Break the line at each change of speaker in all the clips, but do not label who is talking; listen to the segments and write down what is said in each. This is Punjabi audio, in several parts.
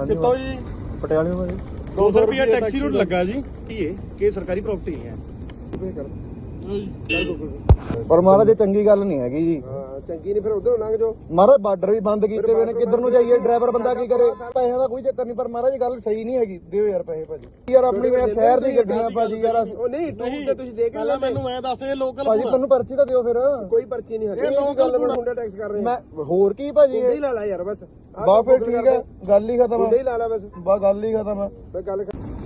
ਕਿੱਥੋਂ ਜੀ?
ਪਟਿਆਲੇ ਤੋਂ ਜੀ
200 ਰੁਪਏ ਟੈਕਸੀ ਰੂਟ ਲੱਗਾ ਜੀ। ਇਹ ਕਿ ਸਰਕਾਰੀ ਪ੍ਰਾਪਰਟੀ ਹੈ।
ਪਰ ਮਹਾਰਾਜ ਇਹ ਚੰਗੀ ਗੱਲ ਨਹੀਂ ਹੈਗੀ ਜੀ।
ਚੰਗੀ ਨਹੀਂ ਫਿਰ ਉਧਰੋਂ ਲੰਘ ਜਾਓ।
ਮਹਾਰਾਜ ਬਾਰਡਰ ਵੀ ਬੰਦ ਕੀਤੇ ਹੋਏ ਨੇ, ਕਿੱਧਰ ਨੂੰ ਜਾਈਏ? ਡਰਾਈਵਰ ਬੰਦਾ ਕੀ ਕਰੇ? ਪੈਸਿਆਂ ਦਾ ਕੋਈ ਚੱਕਰ ਨਹੀਂ, ਪਰ ਮਹਾਰਾਜ ਗੱਲ ਸਹੀ ਨਹੀਂ ਹੈਗੀ। ਦਿਓ ਯਾਰ ਪੈਸੇ ਭਾਜੀ। ਯਾਰ ਆਪਣੀ ਸ਼ਹਿਰ ਦੀ ਗੱਡੀਆਂ ਭਾਜੀ ਯਾਰ।
ਉਹ ਨਹੀਂ ਟੂਰ ਤੇ ਤੁਸੀਂ ਦੇਖ
ਪਹਿਲਾਂ ਮੈਨੂੰ ਐ ਦੱਸ ਇਹ ਲੋਕਲ
ਭਾਜੀ ਤੁਹਾਨੂੰ ਪਰਚੀ ਤਾਂ ਦਿਓ ਫਿਰ।
ਕੋਈ ਪਰਚੀ ਨਹੀਂ ਹੈ।
ਇਹ ਲੋਕਲ
ਮੁੰਡਾ ਟੈਕਸ ਕਰ ਰਹੇ
ਮੈਂ ਹੋਰ ਕੀ ਭਾਜੀ?
ਮੁੰਡੇ ਹੀ ਲਾ ਲਾ ਯਾਰ ਬਸ।
ਬਾ ਫਿਰ ਠੀਕ ਹੈ, ਗੱਲ ਹੀ ਖਤਮ
ਮੁੰਡੇ ਹੀ
ਹੈ।
ਲਾ ਲਾ ਬਸ।
ਬਾ ਗੱਲ ਹੀ ਖਤਮ ਹੈ।
ਮੈਂ ਗੱਲ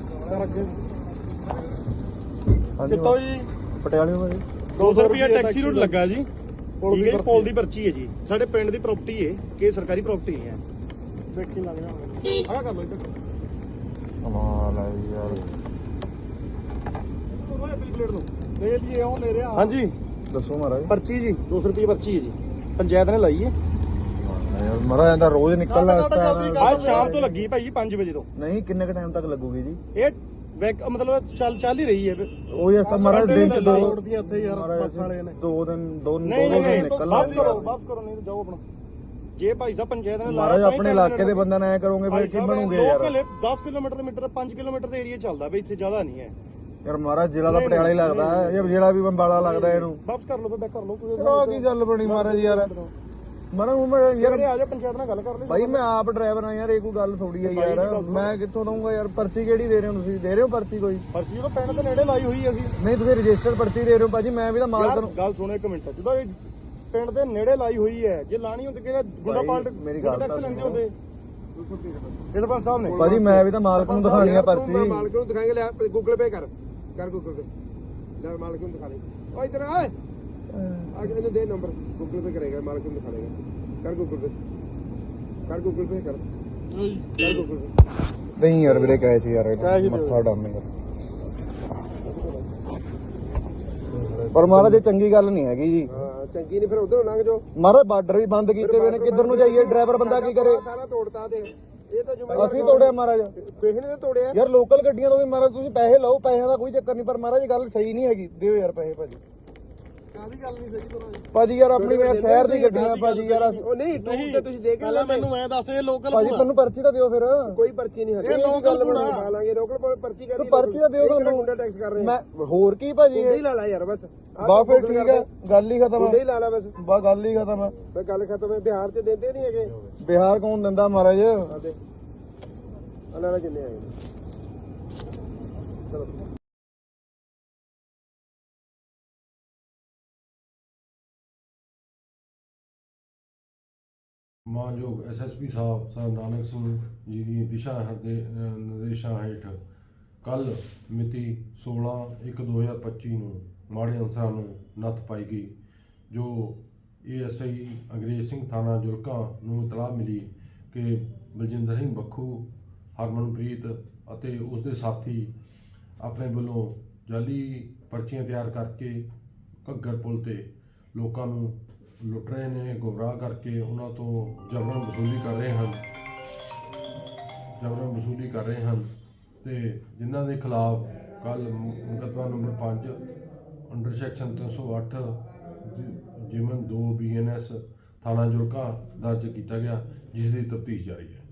ਕਿੱਥੋਂ ਜੀ?
ਪਟਿਆਲੇ ਤੋਂ ਜੀ
200 ਰੁਪਏ ਟੈਕਸੀ ਰੂਟ ਲੱਗਾ ਜੀ। ਠੀਕ ਹੈ, ਪੋਲ ਦੀ ਪਰਚੀ ਹੈ ਜੀ। ਸਾਡੇ ਪਿੰਡ ਦੀ ਪ੍ਰਾਪਰਟੀ ਹੈ ਕਿ ਸਰਕਾਰੀ ਪ੍ਰਾਪਰਟੀ ਹੈ। ਦੇਖੀ ਲੱਗ ਜਾ। ਆਹ ਕਰ ਲਓ ਇੱਧਰ।
ਕਮਾਲ ਹੈ ਯਾਰ।
ਪਲੇਟ ਨੂੰ ਲੈ ਲਈਏ, ਉਹ ਲੈ ਰਿਹਾ। ਹਾਂਜੀ
ਦੱਸੋ ਮਹਾਰਾਜ।
ਪਰਚੀ ਜੀ 200 ਰੁਪਏ ਪਰਚੀ ਹੈ ਜੀ। ਪੰਚਾਇਤ ਨੇ ਲਾਈ ਹੈ।
ਯਾਰ ਮਹਾਰਾਜ ਇਹਦਾ ਰੋਜ਼ ਨਿਕਲਣਾ ਇਸ ਟਾਈਮ।
ਅੱਜ ਸ਼ਾਮ ਤੋਂ ਲੱਗੀ ਭਾਈ 5 ਵਜੇ ਤੋਂ।
ਨਹੀਂ ਕਿੰਨੇ ਕ ਟਾਈਮ ਤੱਕ ਲੱਗੂਗੀ ਜੀ?
ਇਹ ਮਤਲਬ ਚੱਲ ਹੀ ਰਹੀ ਹੈ।
ਉਹ ਇਸ ਤਾਂ ਮਹਾਰਾਜ ਦਿਨ ਚ ਦੋ
ਦੀਆਂ ਇੱਥੇ ਯਾਰ ਬੱਸ ਵਾਲੇ ਨੇ
ਦੋ ਦਿਨ
ਨਹੀਂ
ਨਿਕਲਣਾ।
ਵਾਪਸ ਕਰੋ ਨਹੀਂ ਤਾਂ ਜਾਓ ਆਪਣਾ। ਜੇ ਭਾਈ ਸਾਹਿਬ ਪੰਚਾਇਤ ਨੇ
ਮਹਾਰਾਜ ਆਪਣੇ ਇਲਾਕੇ ਦੇ ਬੰਦਿਆਂ ਨਾਲ ਐ ਕਰੋਗੇ ਭਾਈ ਕੀ ਬਣੂਗੇ ਯਾਰ?
10 ਕਿਲੋਮੀਟਰ ਦੇ ਮੀਟਰ 5 ਕਿਲੋਮੀਟਰ ਦੇ ਏਰੀਆ ਚੱਲਦਾ ਬਈ, ਇੱਥੇ ਜ਼ਿਆਦਾ ਨਹੀਂ ਹੈ
ਯਾਰ। ਮਹਾਰਾਜ ਜ਼ਿਲ੍ਹਾ ਦਾ ਪਟਿਆਲਾ ਹੀ ਲੱਗਦਾ ਹੈ, ਇਹ ਜ਼ਿਲ੍ਹਾ ਵੀ ਬੰਬਾਲਾ ਲੱਗਦਾ ਇਹਨੂੰ।
ਵਾਪਸ ਕਰ ਲਓ ਤਾਂ ਕਰ ਲਓ ਕੋਈ
ਆਹ ਕੀ ਗੱਲ ਬਣੀ ਮਹਾਰਾਜ ਯਾਰ? ਮਹਾਰਾਜ
ਯਾਰ ਆ ਜਾ ਪੰਚਾਇਤ ਨਾਲ ਗੱਲ ਕਰ ਲਈ
ਭਾਈ ਮੈਂ ਆਪ ਡਰਾਈਵਰ ਆ ਯਾਰ, ਇਹ ਕੋਈ ਗੱਲ ਥੋੜੀ ਹੈ ਯਾਰ। ਮੈਂ ਕਿੱਥੋਂ ਦਊਂਗਾ ਯਾਰ? ਪਰਚੀ ਕਿਹੜੀ ਦੇ ਰਹੇ ਹੋ ਤੁਸੀਂ? ਦੇ ਰਹੇ ਹੋ ਪਰਚੀ ਕੋਈ?
ਪਰਚੀ ਤਾਂ ਪਿੰਡ ਦੇ ਨੇੜੇ ਲਾਈ ਹੋਈ ਹੈ ਅਸੀਂ।
ਨਹੀਂ ਤੁਸੀਂ ਰਜਿਸਟਰ ਪਰਚੀ ਦੇ ਰਹੇ ਹੋ ਭਾਜੀ। ਮੈਂ ਵੀ ਤਾਂ ਮਾਲਕ ਨੂੰ
ਗੱਲ ਸੁਣੋ ਇੱਕ ਮਿੰਟ। ਜਦੋਂ ਇਹ ਪਿੰਡ ਦੇ ਨੇੜੇ ਲਾਈ ਹੋਈ ਹੈ, ਜੇ ਲਾਣੀ ਹੁੰਦੀ ਕਿ ਗੁੰਡਾ ਪਾਲਟ
ਮੇਰੀ ਗੱਲ
ਟੈਕਸ ਲੈਂਦੇ ਹੁੰਦੇ ਇਹ ਸਰਪੰਚ ਸਾਹਿਬ ਨੇ।
ਭਾਜੀ ਮੈਂ ਵੀ ਤਾਂ ਮਾਲਕ ਨੂੰ ਦਿਖਾਣੀ ਆ ਪਰਚੀ।
ਮਾਲਕ ਨੂੰ ਦਿਖਾਏਂਗੇ। ਲੈ ਗੂਗਲ ਪੇ ਕਰ ਗੂਗਲ ਪੇ। ਲੈ ਮਾਲਕ ਨੂੰ ਦਿਖਾ ਲੈ। ਓ ਇਧਰ ਆ ਇਹਨੂੰ ਦੇ ਨੰਬਰ। ਗੂਗਲ ਪੇ ਕਰੇਗਾ, ਮਾਲਕ ਨੂੰ ਦਿਖਾ ਲੇਗਾ। ਕਰ ਗੂਗਲ ਪੇ ਕਰ ਗੂਗਲ ਪੇ ਕਰ ਗੂਗਲ ਪੇ।
ਨਹੀਂ ਯਾਰ ਵੀਰੇ ਕਹੇ ਸੀ ਯਾਰ, ਮੱਥਾ ਡਾਮੇਗਾ। ਪਰ ਮਹਾਰਾਜ ਇਹ ਚੰਗੀ ਗੱਲ ਨਹੀਂ ਹੈਗੀ ਜੀ।
ਚੰਗੀ ਨਹੀਂ ਫਿਰ ਉਧਰੋਂ ਲੰਘ ਜਾਓ।
ਮਹਾਰਾਜ ਬਾਰਡਰ ਵੀ ਬੰਦ ਕੀਤੇ ਹੋਏ ਨੇ, ਕਿੱਧਰ ਨੂੰ ਜਾਈਏ? ਡਰਾਈਵਰ ਬੰਦਾ ਕੀ ਕਰੇ?
ਸਾਰਾ ਤੋੜਤਾ ਦੇ। ਇਹ ਤਾਂ
ਅਸੀਂ ਤੋੜਿਆ ਮਹਾਰਾਜ।
ਕਿਸੇ ਨੇ ਤਾਂ ਤੋੜਿਆ
ਯਾਰ। ਲੋਕਲ ਗੱਡੀਆਂ ਤੋਂ ਵੀ ਮਹਾਰਾਜ ਤੁਸੀਂ ਪੈਸੇ ਲਓ, ਪੈਸਿਆਂ ਦਾ ਕੋਈ ਚੱਕਰ ਨਹੀਂ, ਪਰ ਮਹਾਰਾਜ ਗੱਲ ਸਹੀ ਨਹੀਂ ਹੈਗੀ। ਦਿਓ ਯਾਰ ਪੈਸੇ ਭਾਜੀ।
ਕਾਹਦੀ ਗੱਲ ਨਹੀਂ ਸਹੀ ਕਰਾਂ
ਭਾਜੀ ਯਾਰ ਆਪਣੀ ਸ਼ਹਿਰ ਦੀ ਗੱਡੀਆਂ ਭਾਜੀ ਯਾਰ।
ਉਹ ਨਹੀਂ ਟੂਰ ਤੇ ਤੁਸੀਂ ਦੇਖ
ਪਹਿਲਾਂ ਮੈਨੂੰ ਐ ਦੱਸ ਇਹ ਲੋਕਲ
ਭਾਜੀ ਤੁਹਾਨੂੰ ਪਰਚੀ ਤਾਂ ਦਿਓ ਫਿਰ।
ਕੋਈ ਪਰਚੀ ਨਹੀਂ ਹੈ।
ਇਹ ਲੋਕਲ
ਬਣਾ ਲਾਂਗੇ। ਲੋਕਲ ਪਰਚੀ ਕਰ
ਪਰਚੀ ਤਾਂ ਦਿਓ ਤੁਹਾਨੂੰ।
ਮੁੰਡਾ ਟੈਕਸ ਕਰ ਰਹੇ
ਮੈਂ ਹੋਰ ਕੀ ਭਾਜੀ?
ਮੁੰਡੇ ਹੀ ਲਾ ਲਾ ਯਾਰ ਬਸ।
ਬਾ ਫਿਰ ਠੀਕ ਹੈ, ਗੱਲ ਹੀ ਖਤਮ
ਮੁੰਡੇ
ਹੈ।
ਹੀ ਲਾ ਲਾ ਬਸ।
ਬਾ ਗੱਲ ਹੀ ਖਤਮ ਹੈ।
ਮੈਂ ਗੱਲ ਖਤਮ ਹੈ। ਬਿਹਾਰ ਚ ਦਿੰਦੇ ਨਹੀਂ ਹੈਗੇ।
ਬਿਹਾਰ ਕੌਣ ਦਿੰਦਾ ਮਹਾਰਾਜ?
ਆਦੇ ਅਲਾਰਾ ਕਿੰਨੇ ਆਏ ਚਲੋ।
ਮਾਨਯੋਗ ਐਸਐਸਪੀ ਸਾਹਿਬ ਸਰ ਨਾਨਕ ਸਿੰਘ ਜੀ ਦੀ ਦਿਸ਼ਾ ਨਿਰਦੇਸ਼ਾਂ ਹੇਠ ਕੱਲ ਮਿਤੀ 16/1/2025 ਨੂੰ ਮਾੜੇ ਅਨਸਰਾਂ ਨੂੰ ਨੱਥ ਪਾਈ ਗਈ, ਜੋ ਏਐਸਆਈ ਅੰਗਰੇਜ਼ ਸਿੰਘ ਥਾਣਾ ਜੁਲਕਾ ਨੂੰ ਇਤਲਾਹ ਮਿਲੀ ਕਿ ਬਲਜਿੰਦਰ ਸਿੰਘ ਬੱਖੂ, ਹਰਮਨਪ੍ਰੀਤ ਅਤੇ ਉਸ ਦੇ ਸਾਥੀ ਆਪਣੇ ਵੱਲੋਂ ਜਾਲੀ ਪਰਚੀਆਂ ਤਿਆਰ ਕਰਕੇ ਘੱਗਰ ਪੁਲ ਤੇ ਲੋਕਾਂ ਨੂੰ ਲੁੱਟ ਰਹੇ ਨੇ, ਗੁੰਮਰਾਹ ਕਰਕੇ ਉਹਨਾਂ ਤੋਂ ਜਬਰਨ ਵਸੂਲੀ ਕਰ ਰਹੇ ਹਨ ਤੇ ਜਿਨ੍ਹਾਂ ਦੇ ਖਿਲਾਫ ਕੱਲ ਮੁਕੱਦਮਾ ਨੰਬਰ 5 ਅੰਡਰ ਸੈਕਸ਼ਨ 308 ਜਿਮਨ 2 BNS ਥਾਣਾ ਜੁਲਕਾ ਦਰਜ ਕੀਤਾ ਗਿਆ, ਜਿਸ ਦੀ ਤਫਤੀਸ਼ ਜਾਰੀ ਹੈ।